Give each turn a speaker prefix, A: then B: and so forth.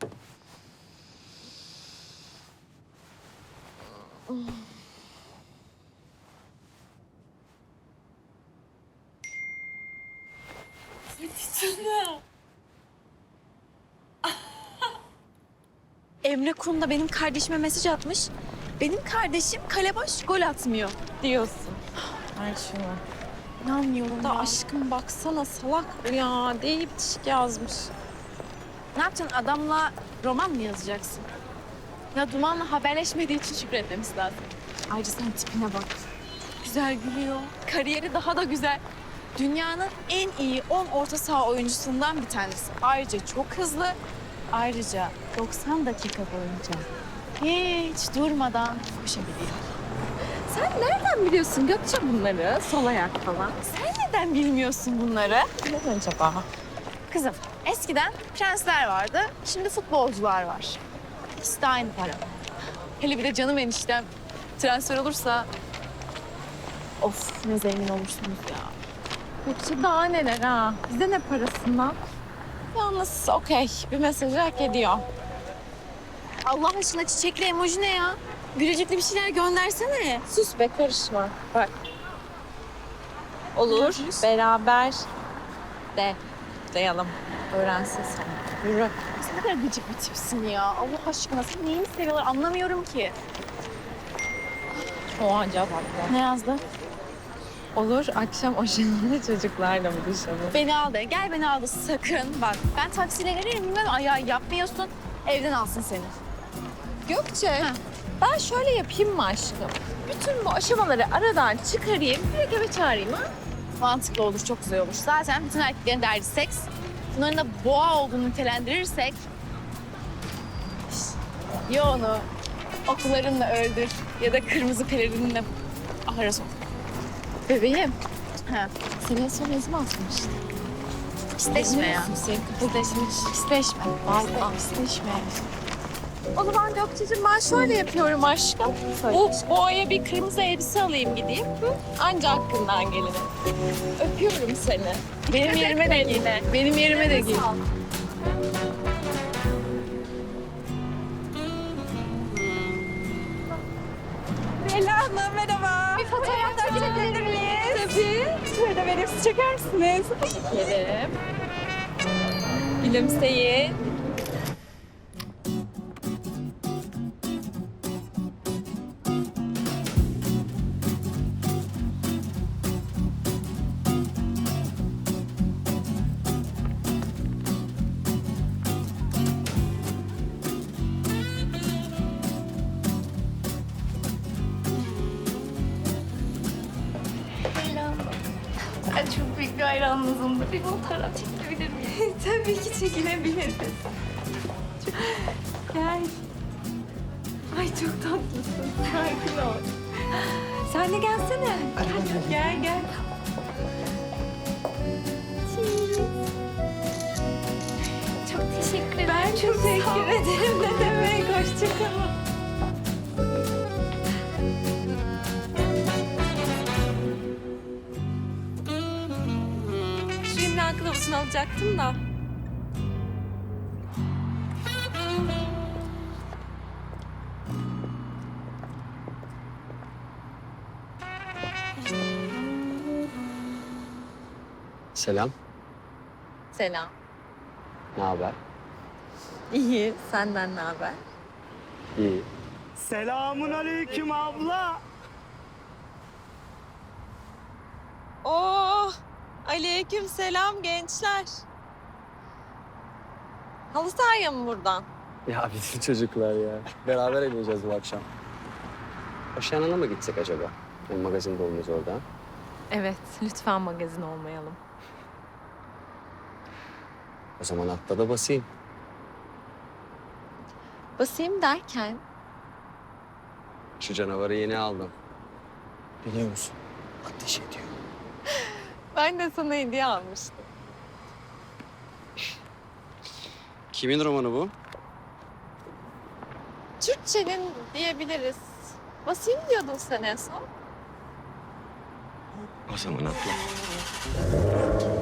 A: Emre Kun da benim kardeşime mesaj atmış. Benim kardeşim kale boş gol atmıyor diyorsun.
B: Ay şunu.
A: İnanmıyorum
B: Da
A: ya.
B: aşkım baksana salak bu ya. Deyip bitişik yazmış.
A: Ne yapacaksın, adamla roman mı yazacaksın? Ya Duman'la haberleşmediği için şükretmemiz lazım. Ayrıca sen tipine bak. Çok güzel gülüyor. Kariyeri daha da güzel. Dünyanın en iyi 10 orta saha oyuncusundan bir tanesi. Ayrıca çok hızlı. Ayrıca 90 dakika boyunca hiç durmadan koşabiliyor.
B: Sen nereden biliyorsun Gökçe bunları? Sol ayak falan.
A: Sen neden bilmiyorsun bunları?
B: Ne acaba?
A: Kızım, eskiden prensler vardı, şimdi futbolcular var. İkisi de aynı para. Hele bir de canım eniştem transfer olursa... Of, ne zengin olursunuz ya.
B: Gökçe daha neler ha? Bize ne parasından? Yalnız okey. Bir mesajı hak ediyor.
A: Allah aşkına çiçekli emoji ne ya? Gülücüklü bir şeyler göndersene.
B: Sus be karışma. Bak. Olur. Beraber de. Dayalım. Öğrensin sana. Yürü.
A: Sen ne kadar gıcık bir tipsin ya. Allah aşkına sen neyini seviyorlar anlamıyorum ki.
B: O acaba bak.
A: Ne yazdı?
B: Olur. Akşam aşağıda çocuklarla mı buluşalım?
A: Beni al de. Gel beni al de sakın. Bak ben taksiyle gelirim bilmem ayağı yapmıyorsun. Evden alsın seni.
B: Gökçe.
A: Ha.
B: Ben şöyle yapayım mı aşkım? Bütün bu aşamaları aradan çıkarayım. Direkt eve çağırayım ha?
A: Mantıklı olur, çok güzel olur. Zaten bütün erkeklerin derdi seks. Bunların da boğa olduğunu nitelendirirsek... Ya onu okularınla öldür ya da kırmızı pelerinle ahıra sok.
B: Bebeğim.
A: Ha.
B: Senin son ne zaman asmıştın?
A: İsteşme ya. İsteşme.
B: İsteşme. O zaman Gökçe'cim ben şöyle yapıyorum aşkım. Bu boğaya bir kırmızı elbise alayım gideyim. Hı? Anca hakkından gelene. Öpüyorum seni.
A: Benim yerime de giy. Benim yerime de giy.
B: Leyla Hanım merhaba.
A: Bir fotoğraf çekebilir miyiz?
B: Tabii.
A: Şurada benim çeker misiniz?
B: Çekelim. Gülümseyin.
A: Ben çok büyük bir hayranınızımdır. Bir fotoğraf çekebilir miyim? Tabii ki çekilebiliriz. Gel. Ay çok tatlısın. Sakin ol. Sen de gelsene. Gel gel. Çok teşekkür ederim. Ben çok teşekkür ederim. Ne demek? Hoşçakalın.
B: Şu imla kılavuzunu alacaktım da.
C: Selam.
B: Selam.
C: Ne haber?
B: İyi. Senden ne haber?
C: İyi.
D: Selamun aleyküm abla.
B: Oh! Aleyküm selam gençler. Halı sahaya mı buradan?
C: Ya bizim çocuklar ya. Beraber eğleneceğiz bu akşam. Aşağına mı gitsek acaba? Yani magazin dolmuş orada.
B: Evet, lütfen magazin olmayalım.
C: O zaman atla da basayım.
B: Basayım derken?
C: Şu canavarı yeni aldım. Biliyor musun? Ateş ediyor.
B: Ben de sana hediye almıştım.
C: Kimin romanı bu?
B: Türkçenin diyebiliriz. Basayım diyordun sen en son.
C: O zaman atla.